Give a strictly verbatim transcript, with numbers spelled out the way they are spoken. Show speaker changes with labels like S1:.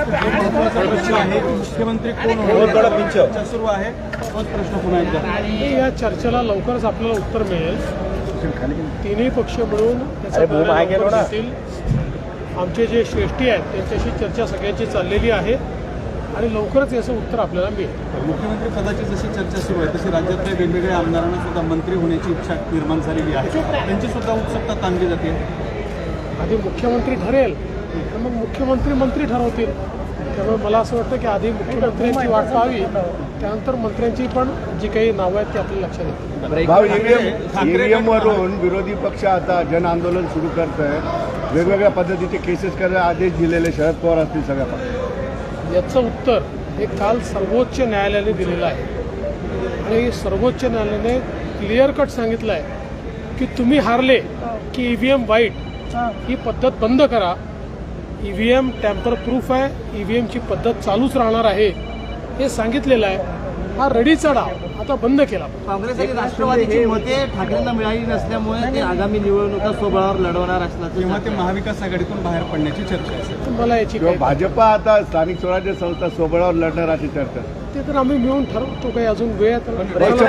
S1: मुख्यमंत्री कोण होणार चर्चा सुरू आहे, तोच प्रश्न पुन्हा एकदा.
S2: या चर्चेला लवकरच आपल्याला उत्तर मिळेल. तिन्ही पक्ष मिळून त्याचा निर्णय घेतील. आमचे जे श्रेष्ठी आहेत त्यांच्याशी चर्चा सगळ्यांची चाललेली आहे आणि लवकरच याचं उत्तर आपल्याला मिळेल.
S1: मुख्यमंत्री पदाची जशी चर्चा सुरू आहे तशी राज्यातल्या वेगवेगळ्या आमदारांना सुद्धा मंत्री होण्याची इच्छा निर्माण झालेली आहे, त्यांची सुद्धा उत्सुकता ताणली जाते.
S2: आधी मुख्यमंत्री ठरेल तर मग मुख्यमंत्री मंत्री ठरवतील. त्यामुळे मला असं वाटतं की आधी मुख्यमंत्र्यांची वाट पाहावी, त्यानंतर मंत्र्यांची पण जी काही नावं आहेत ती आपल्या लक्षात येतील.
S3: ईव्हीएम वरून विरोधी पक्ष आता जन आंदोलन सुरू करत आहे. वेगवेगळ्या पद्धतीचे केसेस करायला आदेश दिलेले शरद पवार असतील सगळ्या पक्षात.
S2: याचं उत्तर हे काल सर्वोच्च न्यायालयाने दिलेलं आहे आणि सर्वोच्च न्यायालयाने क्लिअर कट सांगितलं आहे की तुम्ही हारले की ईव्हीएम वाईट ही पद्धत बंद करा. ईव्हीएम टॅम्पर प्रूफ आहे, ईव्हीएमची पद्धत चालूच राहणार आहे हे सांगितलेलं आहे. हा रडीचा डाव आता बंद केला.
S4: काँग्रेस आणि राष्ट्रवादीची मते ठाकरेंना मिळाली नसल्यामुळे ते आगामी निवडणुका स्वबळावर लढवणार असल्याचं
S1: तेव्हा ते महाविकास आघाडीतून बाहेर पडण्याची चर्चा आहे.
S2: मला याची काही
S3: भाजपा आता स्थानिक स्वराज्य संस्था स्वबळावर लढणार अशी चर्चा.
S2: ते तर आम्ही मिळून ठरवतो. काही अजून वेळ